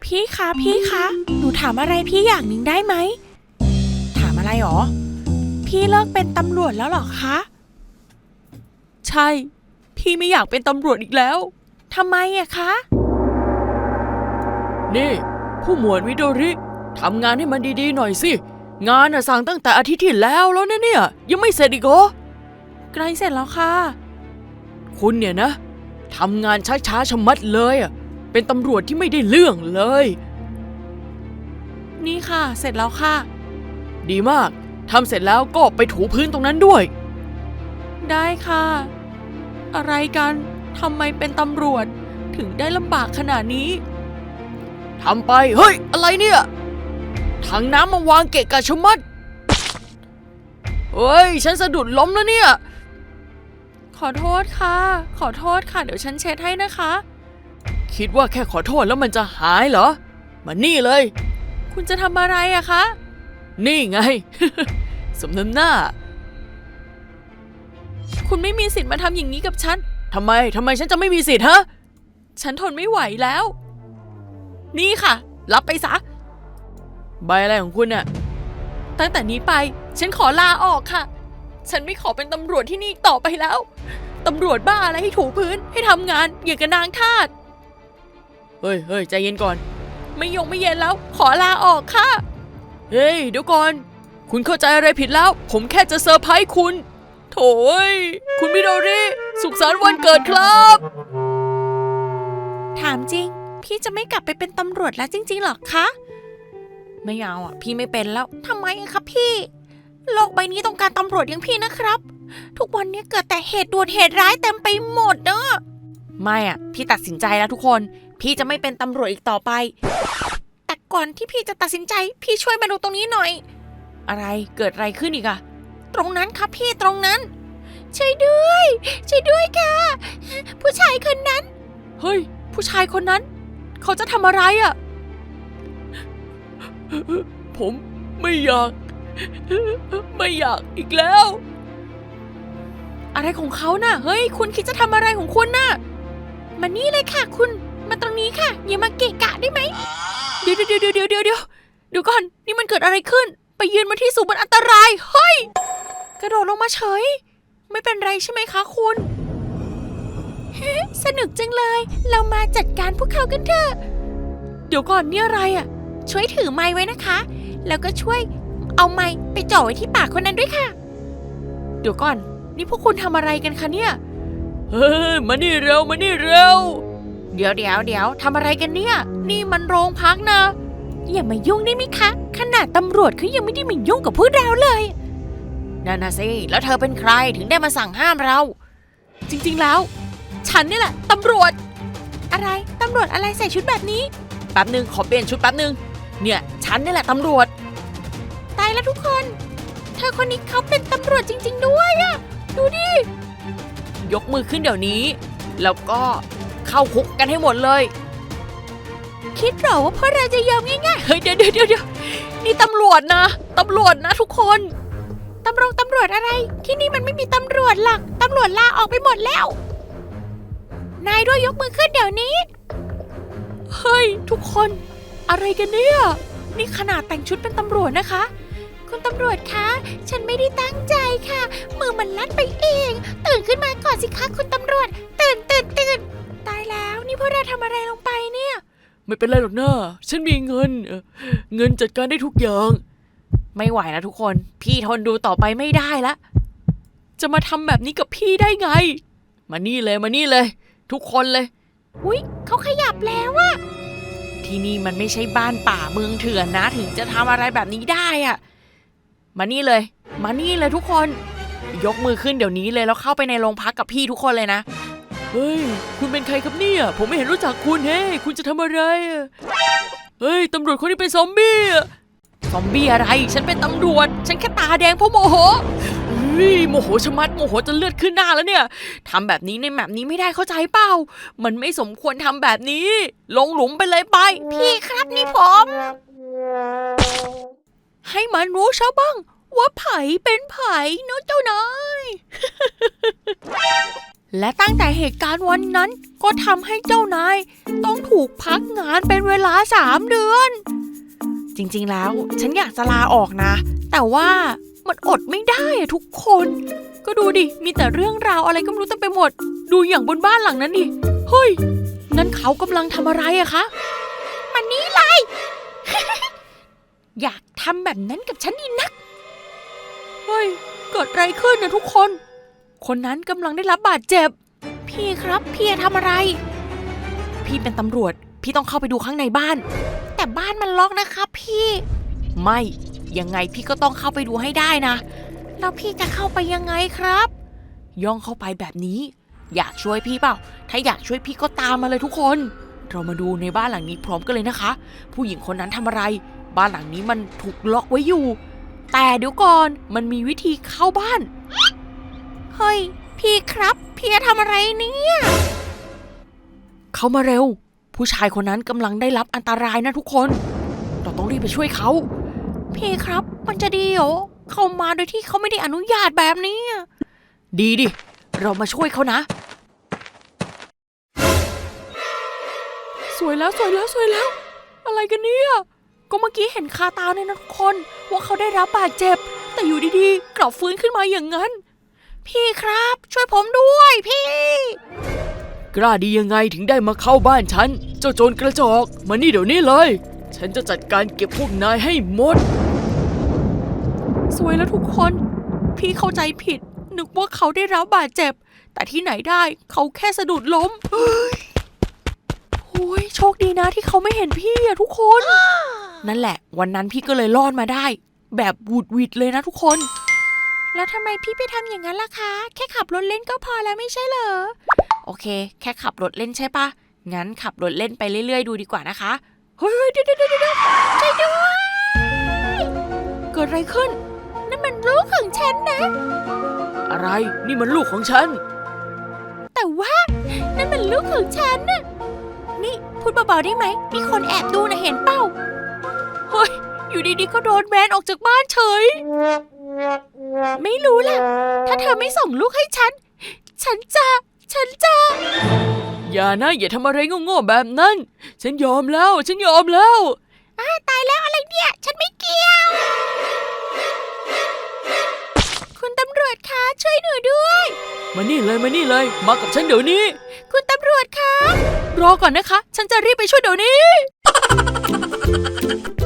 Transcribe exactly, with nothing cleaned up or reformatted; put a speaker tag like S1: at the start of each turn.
S1: พี่คะพี่คะหนูถามอะไรพี่อย่างหนึ่งได้ไหมถามอะไรหรอพี่เลิกเป็นตำรวจแล้วหรอคะใช่พี่ไม่อยากเป็นตำรวจอีกแล้วทำไมอะคะ
S2: นี่ผู้หมวดวิโดริทำงานให้มันดีๆหน่อยสิงานน่ะสั่งตั้งแต่อาทิตย์ที่แล้วแล้วนะเนี่ยยังไม่เสร็จอีกเหรอ
S1: ใกล้เสร็จแล้วค่ะ
S2: คุณเนี่ยนะทำงานช้าๆชะมัดเลยอ่ะเป็นตำรวจที่ไม่ได้เรื่องเลย
S1: นี่ค่ะเสร็จแล้วค่ะ
S2: ดีมากทำเสร็จแล้วก็ไปถูพื้นตรงนั้นด้วย
S1: ได้ค่ะอะไรกันทำไมเป็นตำรวจถึงได้ลำบากขนาดนี้
S2: ทำไปเฮ้ยอะไรเนี่ยถังน้ำมาวางเกะกะชะมัดเฮ้ยฉันสะดุดล้มแล้วเนี่ย
S1: ขอโทษค่ะขอโทษค่ะเดี๋ยวฉันเช็ดให้นะคะ
S2: คิดว่าแค่ขอโทษแล้วมันจะหายเหรอมานี่เลย
S1: คุณจะทำอะไรอะคะ
S2: นี่ไง สมน้ำหน้า
S1: คุณไม่มีสิทธิ์มาทำอย่างนี้กับฉัน
S2: ทำไมทำไมฉันจะไม่มีสิทธิ์ฮะ
S1: ฉันทนไม่ไหวแล้วนี่ค่ะรับไปซะ
S2: ใบอะไรของคุณน่ะ
S1: ตั้งแต่นี้ไปฉันขอลาออกค่ะฉันไม่ขอเป็นตำรวจที่นี่ต่อไปแล้วตำรวจบ้าอะไรให้ถูพื้นให้ทำงานอย่างกับนางทาส
S2: เฮ้ยเฮ้ยใจเย็นก่อน
S1: ไม่ยงไม่เย็นแล้วขอลาออกค่ะ
S2: เฮ้ยเดี๋ยวก่อนคุณเข้าใจอะไรผิดแล้วผมแค่จะเซอร์ไพรส์คุณโถ่คุณมิโดริสุขสันต์วันเกิดครับ
S1: ถามจริงพี่จะไม่กลับไปเป็นตำรวจแล้วจริงๆหรอคะไม่เอาอ่ะพี่ไม่เป็นแล้วทำไมครับพี่โลกใบนี้ต้องการตำรวจอย่างพี่นะครับทุกวันนี้เกิดแต่เหตุด่วนเหตุร้ายเต็มไปหมดเนอะไม่อ่ะพี่ตัดสินใจแล้วทุกคนพี่จะไม่เป็นตำรวจอีกต่อไปแต่ก่อนที่พี่จะตัดสินใจพี่ช่วยมาดูตรงนี้หน่อยอะไรเกิดอะไรขึ้นอีกอะตรงนั้นครับพี่ตรงนั้นช่วยด้วยช่วยด้วยค่ะผู้ชายคนนั้นเฮ้ยผู้ชายคนนั้นเขาจะทำอะไรอะ
S2: ผมไม่อยากไม่อยากอีกแล้ว
S1: อะไรของเขาน่ะเฮ้ยคุณคิดจะทำอะไรของคุณน่ะมานี่เลยค่ะคุณมาตรงนี้ค่ะอย่ามาเกะกะได้ไหมเดี๋ยวเดี๋ยวเดี๋ยวเดี๋ยวเดี๋ยวเดี๋ยวเดี๋ยวก่อนนี่มันเกิดอะไรขึ้นไปยืนมาที่สูงมันอันตรายเฮ้ยกระโดดลงมาเฉยไม่เป็นไรใช่ไหมคะคุณสนุกจังเลยเรามาจัดการพวกเขากันเถอะเดี๋ยวก่อนนี่อะไรอ่ะช่วยถือไม้ไว้นะคะแล้วก็ช่วยเอาไม้ไปจ่อไว้ที่ปากคนนั้นด้วยค่ะเดี๋ยวก่อนนี่พวกคุณทำอะไรกันคะเนี่ย
S2: เฮ้ยมานี่เร็วมานี่เร็ว
S1: เดี๋ยวเดี๋ยวเดี๋ยวทำอะไรกันเนี่ยนี่มันโรงพักนะอย่ามายุ่งได้ไหมคะขนาดตำรวจเขายังไม่ได้มายุ่งกับพวกเราเลยนั่นนะสิแล้วเธอเป็นใครถึงได้มาสั่งห้ามเราจริงๆแล้วฉันนี่แหละตำรวจอะไรตำรวจอะไรใส่ชุดแบบนี้
S2: แป๊บนึงขอเปลี่ยนชุดแป๊บนึงเนี่ยฉันนี่แหละตำรวจ
S1: ตายแล้วทุกคนเธอคนนี้เขาเป็นตำรวจจริงๆด้วยอะดูดิ
S2: ยกมือขึ้นเดี๋ยวนี้แล้วก็เข้าคุกกันให้หมดเลย
S1: คิดเหรอว่าพวกเราจะยอมง่ายๆ
S2: เฮ้ยเดี๋ยวเดี๋ยวเดี๋ยวนี่ตำรวจนะตำรวจนะทุกคน
S1: ตำรวจตำรวจอะไรที่นี่มันไม่มีตำรวจหรอกตำรวจลาออกไปหมดแล้วนายด้วยยกมือขึ้นเดี๋ยวนี้เฮ้ยทุกคนอะไรกันเนี่ยนี่ขนาดแต่งชุดเป็นตำรวจนะคะคุณตำรวจคะฉันไม่ได้ตั้งใจค่ะมือมันลัดไปเองตื่นขึ้นมาก่อนสิคะคุณตำรวจตื่นตื่นตื่นตายแล้วนี่พวกเราทำอะไรลงไปเนี่ย
S2: ไม่เป็นไรหรอกนะฉันมีเงินเงินจัดการได้ทุกอย่าง
S1: ไม่ไหวแล้วทุกคนพี่ทนดูต่อไปไม่ได้ละจะมาทำแบบนี้กับพี่ได้ไง
S2: มานี่เลยมานี่เลยทุกคนเลย
S1: อุ๊ยเขาขยับแล้วอะที่นี่มันไม่ใช่บ้านป่าเมืองเถื่อนนะถึงจะทำอะไรแบบนี้ได้อะมานี่เลยมานี่เลยทุกคนยกมือขึ้นเดี๋ยวนี้เลยแล้วเข้าไปในโรงพักกับพี่ทุกคนเลยนะ
S2: เฮ้ยคุณเป็นใครครับเนี่ยผมไม่เห็นรู้จักคุณเฮ้คุณจะทำอะไรเฮ้ยตำรวจคนนี้เป็นซอมบี้
S1: ซอมบี้อะไรฉันเป็นตำรวจฉันแค่ตาแดงเพราะโมโห
S2: เฮ้ยโมโหชะมัดโมโหจนเลือดขึ้นหน้าแล้วเนี่ย
S1: ทำแบบนี้ในแบบนี้ไม่ได้เข้าใจเปล่ามันไม่สมควรทำแบบนี้ลงหลุมไปเลยไปพี่ครับนี่ผมให้มันรู้ซะบ้างว่าไผเป็นไผเนาะเจ้านายและตั้งแต่เหตุการณ์วันนั้นก็ทำให้เจ้านายต้องถูกพักงานเป็นเวลาสามเดือน จริงๆแล้วฉันอยากจะลาออกนะแต่ว่ามันอดไม่ได้อะทุกคนก็ดูดิมีแต่เรื่องราวอะไรก็ไม่รู้เต็มไปหมดดูอย่างบนบ้านหลังนั้นดิเฮ้ยนั่นเขากำลังทำอะไรอะคะมันนี้เลย อยากทำแบบนั้นกับฉันดีนักเฮ้ยเกิดอะไรขึ้นนะทุกคนคนนั้นกำลังได้รับบาดเจ็บพี่ครับพี่ทำอะไรพี่เป็นตำรวจพี่ต้องเข้าไปดูข้างในบ้านแต่บ้านมันล็อกนะครับพี่ไม่ยังไงพี่ก็ต้องเข้าไปดูให้ได้นะแล้วพี่จะเข้าไปยังไงครับย่องเข้าไปแบบนี้อยากช่วยพี่เปล่าถ้าอยากช่วยพี่ก็ตามมาเลยทุกคนเรามาดูในบ้านหลังนี้พร้อมกันเลยนะคะผู้หญิงคนนั้นทำอะไรบ้านหลังนี้มันถูกล็อกไว้อยู่แต่เดี๋ยวก่อนมันมีวิธีเข้าบ้านเฮ้ยพี่ครับพี่จะทำอะไรเนี่ยเข้ามาเร็วผู้ชายคนนั้นกำลังได้รับอันตรายนะทุกคนเราต้องรีบไปช่วยเขาพี่ครับมันจะดีเหรอเข้ามาโดยที่เขาไม่ได้อนุญาตแบบนี้ดีดิเรามาช่วยเขานะสวยแล้วสวยแล้วสวยแล้วอะไรกันเนี่ยก็เมื่อกี้เห็นคาตาเลยนะทุกคนว่าเขาได้รับบาดเจ็บแต่อยู่ดีๆกลับฟื้นขึ้นมาอย่างนั้นพี่ครับช่วยผมด้วยพี่
S2: กล้าดียังไงถึงได้มาเข้าบ้านฉันเจ้าโจรกระจอกมานี่เดี๋ยวนี้เลยฉันจะจัดการเก็บพวกนายให้หมด
S1: สวยแล้วทุกคนพี่เข้าใจผิดนึกว่าเขาได้รับบาดเจ็บแต่ที่ไหนได้เขาแค่สะดุดล้มโอ้ยโชคดีนะที่เขาไม่เห็นพี่อะทุกคนนั่นแหละวันนั้นพี่ก็เลยรอดมาได้แบบวูดวิดเลยนะทุกคนแล้วทำไมพี่ไปทำอย่างนั้นล่ะคะแค่ขับรถเล่นก็พอแล้วไม่ใช่เหรอโอเคแค่ขับรถเล่นใช่ปะงั้นขับรถเล่นไปเรื่อยๆดูดีกว่านะคะเฮ้ยเดี๋ยวเดี๋ยวเดี๋ยวช่วยด้วยเกิดอะไรขึ้นนั่นมันลูกของฉันนะ
S2: อะไรนี่มันลูกของฉัน
S1: แต่ว่านั่นมันลูกของฉันน่ะนี่พูดเบาๆได้ไหมมีคนแอบดูนะเห็นเปล่าเฮ้ยอยู่ดีๆก็โดนแบนออกจากบ้านเฉยไม่รู้ล่ะถ้าเธอไม่ส่งลูกให้ฉันฉันจะฉันจะ
S2: อย่านะอย่าทำอะไรโง่ๆแบบนั้นฉันยอมแล้วฉันยอมแล้ว
S1: อ้าตายแล้วอะไรเนี่ยฉันไม่เกี่ยวคุณตำรวจคะช่วยหนูด้วย
S2: มานี่เลยมานี่เลยมากับฉันเดี๋ยวนี้
S1: คุณตำรวจคะรอก่อนนะคะฉันจะรีบไปช่วยเดี๋ยวนี้